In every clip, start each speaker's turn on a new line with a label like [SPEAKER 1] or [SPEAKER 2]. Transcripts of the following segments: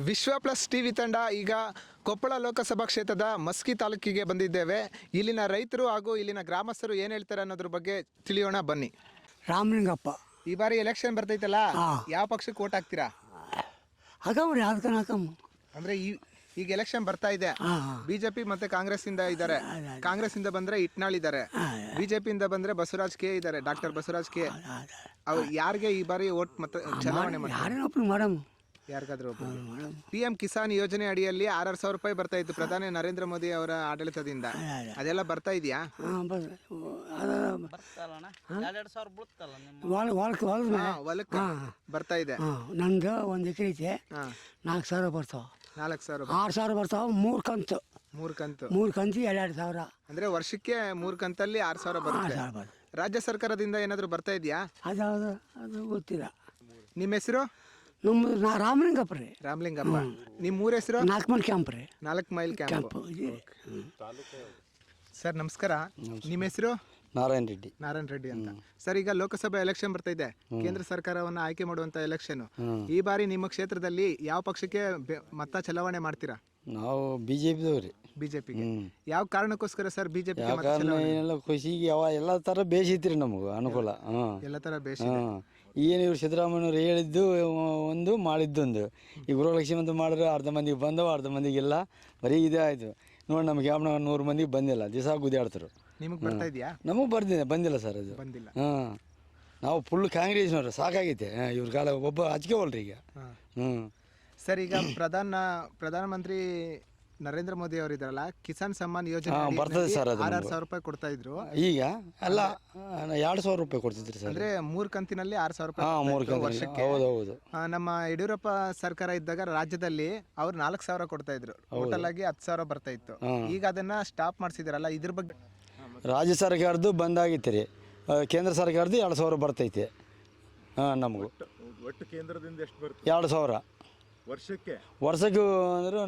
[SPEAKER 1] ವಿಶ್ವ plus TV ತಂಡ ಈಗ ಕೊಪ್ಪಳ ಲೋಕಸಭಾ ಕ್ಷೇತ್ರದ ಮಸ್ಕಿ ತಾಲೂಕಿಗೆ ಬಂದಿದ್ದೇವೆ. ಇಲ್ಲಿನ ರೈತರು ಹಾಗೂ ಇಲ್ಲಿನ ಗ್ರಾಮಸ್ಥರು ಏನು ಹೇಳ್ತಾರೆ ಅನ್ನೋದ್ರ ಬಗ್ಗೆ ತಿಳಿಯೋಣ ಬನ್ನಿ.
[SPEAKER 2] ರಾಮಲಿಂಗಪ್ಪ,
[SPEAKER 1] ಈ ಬಾರಿ ಎಲೆಕ್ಷನ್ ಬರ್ತೈತಲ್ಲ, ಯಾವ ಪಕ್ಷಕ್ಕೆ ವೋಟ್ ಹಾಕ್ತೀರಾ?
[SPEAKER 2] ಹಾಕಮ್ರಿ, ಅದಕ್ಕೆ ಹಾಕಮ್ಮ.
[SPEAKER 1] ಅಂದ್ರೆ ಈಗ ಎಲೆಕ್ಷನ್ ಬರ್ತಾ ಇದೆ, ಬಿಜೆಪಿ ಮತ್ತೆ ಕಾಂಗ್ರೆಸ್ ಇಂದ ಇದ್ದಾರೆ. ಕಾಂಗ್ರೆಸ್ ಇಂದ ಬಂದ್ರೆ ಇಟ್ನಾಳ್ ಇದ್ದಾರೆ, ಬಿಜೆಪಿ ಇಂದ ಬಂದ್ರೆ ಬಸವರಾಜ್ ಕೆ ಇದ್ದಾರೆ, ಡಾಕ್ಟರ್ ಬಸವರಾಜ್ ಕೆ. ಅವ್ರು ಯಾರಿಗೆ ಈ ಬಾರಿ ವೋಟ್ ಮತ್ತೆ ಚಲಾವಣೆ
[SPEAKER 2] ಮಾಡಮ್?
[SPEAKER 1] ಯಾರಿಗಾದ್ರೂ PM ಕಿಸಾನ್ ಯೋಜನೆ ಅಡಿಯಲ್ಲಿ 6,000 ರೂಪಾಯಿ ಬರ್ತಾ ಇತ್ತು ಪ್ರಧಾನಿ ನರೇಂದ್ರ ಮೋದಿ ಅವರ ಆಡಳಿತದಿಂದ. ಅದೆಲ್ಲ ಬರ್ತಾ ಇದೆಯಾ? ಹೊಲಕ್ಕೆ ಬರ್ತಾ ಇದೆ.
[SPEAKER 2] ನಂದು 1 ಎಕರೆ ಐತೆ, 4,000 ಬರ್ತಾವ.
[SPEAKER 1] 4,000
[SPEAKER 2] 6,000 ಬರ್ತಾವ. 3 ಕಂತು 2 2,000.
[SPEAKER 1] ಅಂದ್ರೆ ವರ್ಷಕ್ಕೆ 3 ಕಂತಲ್ಲಿ 6,000 ಬರುತ್ತೆ. ರಾಜ್ಯ ಸರ್ಕಾರದಿಂದ ಏನಾದ್ರು ಬರ್ತಾ ಇದೆಯಾ?
[SPEAKER 2] ಅದು ಗೊತ್ತಿಲ್ಲ.
[SPEAKER 1] ನಿಮ್ಮ ಹೆಸರು?
[SPEAKER 2] ನಮ್ಮ ರಾಮಲಿಂಗಪ್ಪ ರೀ.
[SPEAKER 1] ರಾಮಲಿಂಗಪ್ಪ. ನಿಮ್ಮ ಊರ ಹೆಸರು?
[SPEAKER 2] 4 ಮೈಲ್ ಕ್ಯಾಂಪ್ ರೀ.
[SPEAKER 1] 4 ಮೈಲ್ ಕ್ಯಾಂಪ್. ಸರ್ ನಮಸ್ಕಾರ, ನಿಮ್ಮ ಹೆಸರು?
[SPEAKER 3] ನಾರಾಯಣ
[SPEAKER 1] ರೆಡ್ಡಿ ಅಂತ. ಸರ್, ಈಗ ಲೋಕಸಭಾ ಎಲೆಕ್ಷನ್ ಬರ್ತಾ ಇದೆ, ಕೇಂದ್ರ ಸರ್ಕಾರವನ್ನು ಆಯ್ಕೆ ಮಾಡುವಂತ ಎಲೆಕ್ಷನ್. ಈ ಬಾರಿ ನಿಮ್ಮ ಕ್ಷೇತ್ರದಲ್ಲಿ ಯಾವ ಪಕ್ಷಕ್ಕೆ ಮತ ಚಲಾವಣೆ ಮಾಡ್ತೀರಾ?
[SPEAKER 3] ನಾವು ಬಿಜೆಪಿದವ್ರಿ.
[SPEAKER 1] ಬಿಜೆಪಿಗೆ ಯಾವ ಕಾರಣಕ್ಕೋಸ್ಕರ ಸರ್ ಬಿಜೆಪಿ?
[SPEAKER 3] ಖುಷಿಗೆ ಎಲ್ಲ ತರ ಬೇಸಿತ್ರಿ ನಮಗೂ ಅನುಕೂಲ.
[SPEAKER 1] ಎಲ್ಲ ತರ ಬೇಸ.
[SPEAKER 3] ಏನು ಇವ್ರು ಸಿದ್ದರಾಮಯ್ಯವ್ರು ಹೇಳಿದ್ದು ಒಂದು ಮಾಡಿದ್ದೊಂದು. ಈಗ ಗೃಹಲಕ್ಷ್ಮಿ ಅಂತ ಮಾಡಿದ್ರೆ ಅರ್ಧ ಮಂದಿಗೆ ಬಂದವ, ಅರ್ಧ ಮಂದಿಗೆಲ್ಲ ಬರೀ ಇದೇ ಆಯ್ತು. ನೋಡಿ, ನಮ್ಗೆ ಯಾವ 100 ಮಂದಿಗೆ ಬಂದಿಲ್ಲ, ದಿವಸ ಗುದ್ದಾಡ್ತಾರೆ.
[SPEAKER 1] ನಿಮಗೆ ಬರ್ತಾ ಇದೆಯಾ?
[SPEAKER 3] ನಮಗೆ ಬಂದಿಲ್ಲ ಸರ್ ಅದು.
[SPEAKER 1] ಬಂದಿಲ್ಲ.
[SPEAKER 3] ನಾವು ಫುಲ್ ಕಾಂಗ್ರೆಸ್ನವ್ರು, ಸಾಕಾಗೈತೆ ಇವ್ರ ಕಾಲ. ಒಬ್ಬ ಹಚ್ಕೋವಲ್ರಿ ಈಗ.
[SPEAKER 1] ಸರ್, ಈಗ ಪ್ರಧಾನಮಂತ್ರಿ ನರೇಂದ್ರ ಮೋದಿ ಅವರು ಇದಾರಲ್ಲ, ಕಿಸಾನ್ ಸಮ್ಮಾನ್ ಯೋಜನೆ
[SPEAKER 3] ಬರ್ತದೆ ಸರ್. ಅದು
[SPEAKER 1] 6,000 ರೂಪಾಯಿ ಕೊಡ್ತಾ ಇದ್ರು.
[SPEAKER 3] ಈಗ ಎಲ್ಲ 2,000 ರೂಪಾಯಿ ಕೊಡ್ತಿದ್ರಿ ಸರ್.
[SPEAKER 1] ಅಂದ್ರೆ 3 ಕಂತಿನಲ್ಲಿ 6,000
[SPEAKER 3] ರೂಪಾಯಿ
[SPEAKER 1] ವರ್ಷಕ್ಕೆ.
[SPEAKER 3] ಹೌದೌದು.
[SPEAKER 1] ನಮ್ಮ ಯಡಿಯೂರಪ್ಪ ಸರ್ಕಾರ ಇದ್ದಾಗ ರಾಜ್ಯದಲ್ಲಿ ಅವ್ರು 4,000 ಕೊಡ್ತಾ ಇದ್ರು. ಟೋಟಲ್ ಆಗಿ 10,000 ಬರ್ತಾ ಇತ್ತು. ಈಗ ಅದನ್ನ ಸ್ಟಾಪ್ ಮಾಡಿಸಿದಾರಲ್ಲ, ಇದ್ರ ಬಗ್ಗೆ?
[SPEAKER 3] ರಾಜ್ಯ ಸರ್ಕಾರದ್ದು ಬಂದಾಗಿತ್ತು ರೀ, ಕೇಂದ್ರ ಸರ್ಕಾರದ್ದು 2,000 ಬರ್ತೈತೆ. ನಮಗೂ
[SPEAKER 4] ಒಟ್ಟು ಕೇಂದ್ರದಿಂದ ಎಷ್ಟು ಬರುತ್ತೆ?
[SPEAKER 3] 2,000
[SPEAKER 4] ವರ್ಷಕ್ಕೆ
[SPEAKER 3] ಅಂದ್ರೆ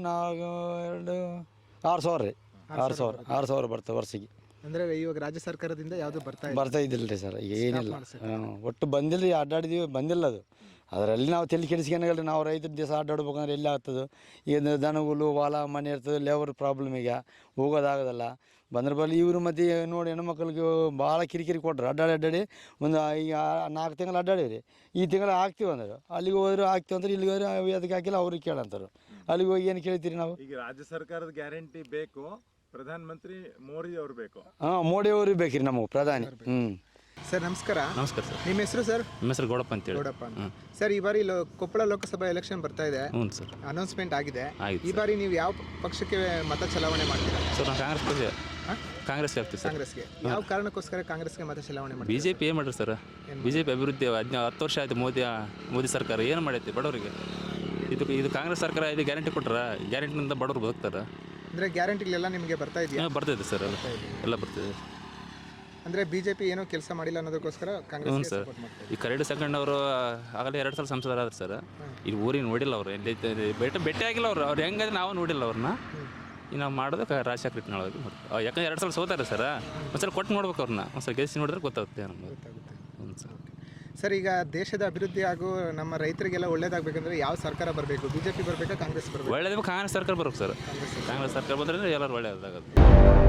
[SPEAKER 3] 6,000 ರೀ. 6,000 ಬರ್ತವೆ ವರ್ಷಕ್ಕೆ.
[SPEAKER 1] ಅಂದ್ರೆ ಇವಾಗ ರಾಜ್ಯ ಸರ್ಕಾರದಿಂದ ಯಾವುದು
[SPEAKER 3] ಬರ್ತಾ ಇದ್ದಿಲ್ಲ ರೀ ಸರ್. ಈಗ ಏನಿಲ್ಲ, ಒಟ್ಟು ಬಂದಿಲ್ಲ ರೀ. ಅಡ್ಡಾಡಿದೀವಿ, ಬಂದಿಲ್ಲ ಅದು. ಅದರಲ್ಲಿ ನಾವು ತಲೆ ಕೆಡಿಸ್ಕೊಳಲ್ಲ. ನಾವು ರೈತರ ದಿವಸ ಅಡ್ಡಾಡ್ಬೇಕಂದ್ರೆ ಎಲ್ಲಿ ಆಗ್ತದೆ? ಈಗ ದನಗಳು ಹೊಲ ಮನೆ ಇರ್ತದೆ, ಲೇಬರ್ ಪ್ರಾಬ್ಲಮ್. ಈಗ ಹೋಗೋದಾಗೋದಲ್ಲ. ಬಂದ್ರ ಬಲ್ಲಿ ಇವರು ಮತ್ತೆ ನೋಡಿ, ಹೆಣ್ಮಕ್ಳಿಗೆ ಭಾಳ ಕಿರಿಕಿರಿ ಕೊಟ್ರು. ಅಡ್ಡಾಡಿ ಒಂದು ಈಗ 4 ತಿಂಗಳು ಅಡ್ಡಾಡಿವ್ರಿ. ಈ ತಿಂಗಳು ಹಾಕ್ತೀವಿ ಅಂದ್ರೆ ಅಲ್ಲಿಗೆ ಹೋದ್ರೆ ಹಾಕ್ತೀವಿ ಅಂದ್ರೆ ಇಲ್ಲಿಗೆ ಹೋದ್ರೆ ಅದಕ್ಕೆ ಹಾಕಿಲ್ಲ, ಅವ್ರಿಗೆ ಕೇಳಂತಾರೆ. ಅಲ್ಲಿಗೆ ಹೋಗಿ ಏನು ಕೇಳ್ತೀರಿ ನಾವು?
[SPEAKER 4] ಈಗ ರಾಜ್ಯ ಸರ್ಕಾರದ ಗ್ಯಾರಂಟಿ ಬೇಕು, ಪ್ರಧಾನಮಂತ್ರಿ ಮೋದಿ ಅವ್ರು ಬೇಕು.
[SPEAKER 3] ಮೋದಿ ಅವ್ರಿಗೆ ಬೇಕ್ರಿ ನಮಗೆ ಪ್ರಧಾನಿ.
[SPEAKER 1] ಸರ್ ನಮಸ್ಕಾರ.
[SPEAKER 5] ನಮಸ್ಕಾರ ಸರ್.
[SPEAKER 1] ನಿಮ್ಮ ಹೆಸರು ಸರ್?
[SPEAKER 5] ನಮ್ಮ ಹೆಸರು ಗೌಡಪ್ಪ ಅಂತೇಳಿ.
[SPEAKER 1] ಗೌಡಪ್ಪ. ಸರ್, ಈ ಬಾರಿ ಕೊಪ್ಪಳ ಲೋಕಸಭಾ ಎಲೆಕ್ಷನ್ ಬರ್ತಾ ಇದೆ.
[SPEAKER 5] ಹ್ಞೂ ಸರ್,
[SPEAKER 1] ಅನೌನ್ಸ್ಮೆಂಟ್ ಆಗಿದೆ.
[SPEAKER 5] ಆಯ್ತು
[SPEAKER 1] ಈ ಬಾರಿ ನೀವು ಯಾವ ಪಕ್ಷಕ್ಕೆ ಮತ ಚಲಾವಣೆ ಮಾಡ್ತೀರಾ?
[SPEAKER 5] ಸರ್ ನಾವು ಕಾಂಗ್ರೆಸ್ಗೆ ಆಗ್ತೀವಿ ಸರ್.
[SPEAKER 1] ಕಾಂಗ್ರೆಸ್ಗೆ. ಯಾವ ಕಾರಣಕ್ಕೋಸ್ಕರ ಕಾಂಗ್ರೆಸ್ಗೆ ಮತ ಚಲಾವಣೆ ಮಾಡಿ?
[SPEAKER 5] ಬಿಜೆಪಿ ಏನು ಮಾಡ್ರಿ ಸರ್? ಬಿಜೆಪಿ ಅಭಿವೃದ್ಧಿ 10 ವರ್ಷ ಆಯ್ತು. ಮೋದಿ ಸರ್ಕಾರ ಏನು ಮಾಡೈತಿ ಬಡವರಿಗೆ? ಇದು ಕಾಂಗ್ರೆಸ್ ಸರ್ಕಾರ ಇದು ಗ್ಯಾರಂಟಿ ಕೊಟ್ರ, ಗ್ಯಾರಂಟಿನಿಂದ ಬಡವರು ಬದುಕ್ತಾರೆ.
[SPEAKER 1] ಅಂದ್ರೆ ಗ್ಯಾರಂಟಿಗಳೆಲ್ಲ ನಿಮಗೆ ಬರ್ತಾ ಇದೆಯಾ?
[SPEAKER 5] ಬರ್ತೈತೆ ಸರ್, ಎಲ್ಲ ಬರ್ತಿದೆ.
[SPEAKER 1] ಅಂದ್ರೆ ಬಿಜೆಪಿ ಏನೋ ಕೆಲಸ ಮಾಡಿಲ್ಲ ಅನ್ನೋದಕ್ಕೋಸ್ಕರ ಕಾಂಗ್ರೆಸ್
[SPEAKER 5] ಸರ್. ಈ ಕರಡಿ ಸಂಗಣ್ಣವರು ಆಗಲೇ 2 ಸಲ ಸಂಸದರಾದ್ರು ಸರ್. ಇಲ್ಲಿ ಊರಿಗೆ ನೋಡಿಲ್ಲ ಅವ್ರು, ಎಲ್ಲಿ ಭೇಟಿ ಆಗಿಲ್ಲ ಅವ್ರು ಹೆಂಗಂದ್ರೆ ನಾವು ನೋಡಿಲ್ಲ ಅವ್ರನ್ನ. ಈಗ ನಾವು ಮಾಡೋದು ರಾಜಶೇಖರ ಇಟ್ನಾಳ್ ಮಾಡ್ತೀವಿ. ಯಾಕಂದ್ರೆ 2 ಸಲ ಸೋತಾರೆ ಸರ್. ಒಂದ್ಸಲ ಕೊಟ್ಟು ನೋಡ್ಬೇಕು ಅವ್ರನ್ನ, ಒಂದ್ಸಲ ಗೆಲ್ಸಿ ನೋಡಿದ್ರೆ ಗೊತ್ತಾಗುತ್ತೆ ನಮ್ಗೆ. ಹ್ಞೂ ಸರ್.
[SPEAKER 1] ಸರ್, ಈಗ ದೇಶದ ಅಭಿವೃದ್ಧಿ ಹಾಗೂ ನಮ್ಮ ರೈತರಿಗೆಲ್ಲ ಒಳ್ಳೇದಾಗಬೇಕಂದ್ರೆ ಯಾವ ಸರ್ಕಾರ ಬರಬೇಕು? ಬಿಜೆಪಿ ಬರಬೇಕಾ, ಕಾಂಗ್ರೆಸ್ ಬರಬೇಕು?
[SPEAKER 5] ಒಳ್ಳೇದು ಕಾಂಗ್ರೆಸ್ ಸರ್ಕಾರ ಬರ್ಬೇಕು ಸರ್. ಕಾಂಗ್ರೆಸ್ ಸರ್ಕಾರ ಬಂದ್ರೆ ಎಲ್ಲರೂ ಒಳ್ಳೇದಾಗುತ್ತೆ.